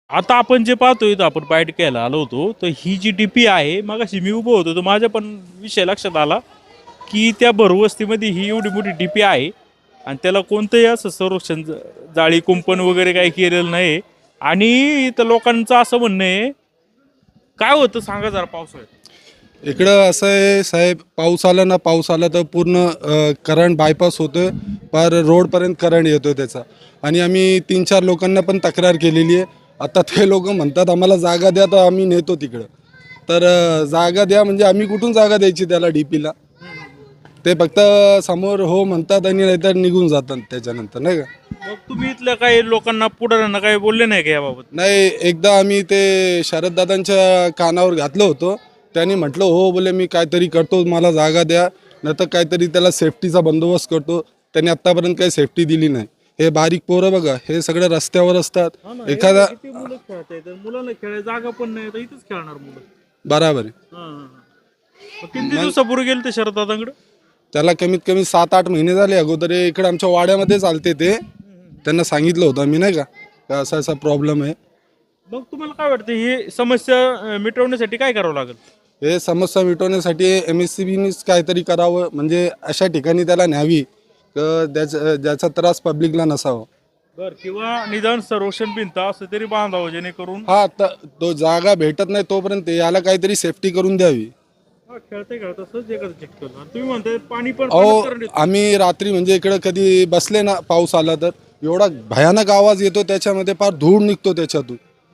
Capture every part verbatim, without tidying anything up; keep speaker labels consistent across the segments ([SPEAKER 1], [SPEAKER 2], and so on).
[SPEAKER 1] आता आपण जे पाहतोय तर आपण बाईट घ्यायला आलो होतो तर ही जी डीपी आहे मगाशी मी उभं होतो तर माझ्या पण विषय लक्षात आला की त्या भरवस्तीमध्ये ही एवढी मोठी डीपी आहे आणि त्याला कोणतंही असं संरक्षण ज- जाळी कुंपण वगैरे काही केलेलं नाही. आणि इथं लोकांचं असं म्हणणं आहे, काय होतं सांगा जरा पावसाळ्यात.
[SPEAKER 2] इकडं असं आहे साहेब, पाऊस आला ना, पाऊस आला तर पूर्ण करंट बायपास होतं, पार रोडपर्यंत करंट येतो त्याचा. आणि आम्ही तीन चार लोकांना पण तक्रार केलेली आहे. आता ते लोक म्हणतात आम्हाला जागा द्या, तर आम्ही नेतो तिकडं. तर अ, जागा द्या म्हणजे आम्ही कुठून जागा द्यायची त्याला डी पीला? ते फक्त समोर हो म्हणतात आणि नाहीतर निघून जातात त्याच्यानंतर, नाही का.
[SPEAKER 1] मग तुम्ही इथल्या काही लोकांना पुढाऱ्यांना काही बोलले नाही का याबाबत?
[SPEAKER 2] नाही, एकदा आम्ही ते शरददादांच्या कानावर घातलं होतं. त्यांनी म्हटलं हो बोले मी काहीतरी करतो, मला जागा द्या, नाही तर काहीतरी त्याला सेफ्टीचा बंदोबस्त करतो. त्यांनी आत्तापर्यंत काही सेफ्टी दिली नाही. हे बारीक पोरं बघा, हे सगळे रस्त्यावर असतात. एखादा
[SPEAKER 1] किती मुलं खेळतायत, मुलांना खेळायला जागा पण नाही तर इथंच खेळणार मुलं.
[SPEAKER 2] बराबर आहे.
[SPEAKER 1] हा, हा, हा. मग किती दिवसापूर्वी गेले ते शरदादांकडे?
[SPEAKER 2] त्याला कमीत कमी सात आठ महिने झाले अगोदर. हे इकडे आमच्या वाड्यामध्ये चालते ते. त्यांना सांगितलं होतं मी, नाही का, का असा असा प्रॉब्लेम आहे.
[SPEAKER 1] मग तुम्हाला काय वाटतं ही समस्या अं, मिटवण्यासाठी काय करावं लागेल?
[SPEAKER 2] हे समस्या मिटवण्यासाठी एम एस सी बीनीच काहीतरी करावं, म्हणजे अशा ठिकाणी त्याला न्यावी क ज्याचा ज्याचा त्रास पब्लिकला नसावा.
[SPEAKER 1] बर, किंवा निदान संरक्षण भिंत असं तरी बांधावं जेणेकरून
[SPEAKER 2] हा, आता तो जागा भेटत नाही तोपर्यंत याला काहीतरी सेफ्टी करून द्यावी.
[SPEAKER 1] हा, खेळता खेळता सहज एखादं चिटकल. आणि तुम्ही म्हणताय पाणी पण
[SPEAKER 2] अहो,
[SPEAKER 1] पाण्यात करंट येतं.
[SPEAKER 2] आम्ही रात्री म्हणजे इकडं कधी बसले ना, पाऊस आला तर एवढा भयानक आवाज येतो त्याच्यामध्ये, फार धूळ निघतो त्याच्यातून.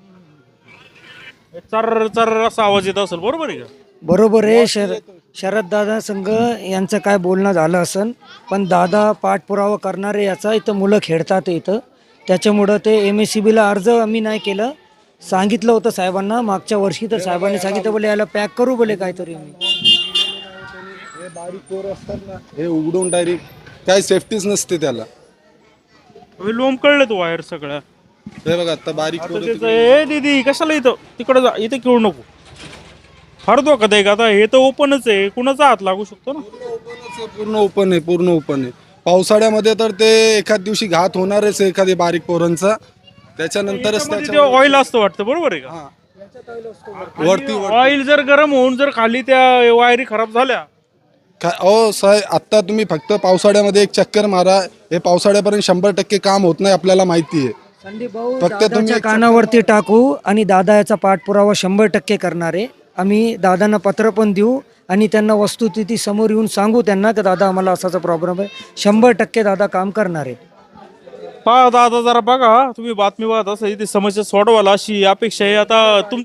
[SPEAKER 1] चर्र चर्र असा आवाज येत असेल, बरोबर आहे का?
[SPEAKER 3] बरोबर आहे. शर शरददादा संघ यांचं काय बोलणं झालं असन, पण दादा पाठपुरावा करणारे याचा इथं मुलं खेळतात इथं, त्याच्यामुळं ते एम एस सी बीला अर्ज आम्ही नाही केलं. सांगितलं होतं साहेबांना मागच्या वर्षी, तर साहेबांनी सांगितलं बोले याला पॅक करू बोले काहीतरी आम्ही.
[SPEAKER 2] हे बारीक पोरं असतात ना, हे उघडून डायरेक्ट काही सेफ्टीच नसते त्याला.
[SPEAKER 1] हे लोंब कळलं तो वायर सगळ्या.
[SPEAKER 2] हे बघा आता बारीक
[SPEAKER 1] आता
[SPEAKER 2] पोरं
[SPEAKER 1] त्याचं ए दीदी कशाला इथं तिकडं जा, इथं खेळू नको. फार धोकादायक. आता हे तर ओपनच आहे, कुणाचा हात लागू शकतो ना.
[SPEAKER 2] पूर्ण ओपन आहे, पूर्ण ओपन आहे. पावसाळ्यामध्ये तर ते एखाद दिवशी घात होणारच आहे एखादी बारीक पोरांचा. त्याच्यानंतरच त्याच्या
[SPEAKER 1] ऑइल असतं वाटतं, बरोबर आहे का?
[SPEAKER 2] हा. वरती
[SPEAKER 1] ऑइल जर गरम होऊन जर खाली त्या वायरी खराब झाल्या,
[SPEAKER 2] काय अहो साहेब, आत्ता तुम्ही फक्त पावसाळ्यामध्ये एक चक्कर मारा. हे पावसाळ्यापर्यंत शंभर टक्के काम होत नाही, आपल्याला माहिती आहे.
[SPEAKER 3] संदीप भाऊ
[SPEAKER 2] फक्त तुम्ही
[SPEAKER 3] दादाच्या
[SPEAKER 2] एक
[SPEAKER 3] कानावरती टाकू आणि दादा याचा पाठपुरावा शंभर टक्के करणार आहे. आम्ही दादांना पत्र पण देऊ आणि त्यांना वस्तुस्थिती समोर येऊन सांगू त्यांना की दादा आम्हाला असाचा प्रॉब्लेम आहे. शंभर टक्के दादा काम करणार आहे.
[SPEAKER 1] पहा दादा जरा बघा, तुम्ही बातमी पाहत असा इथे समस्या सोडवायला अशी अपेक्षा आहे. आता तुम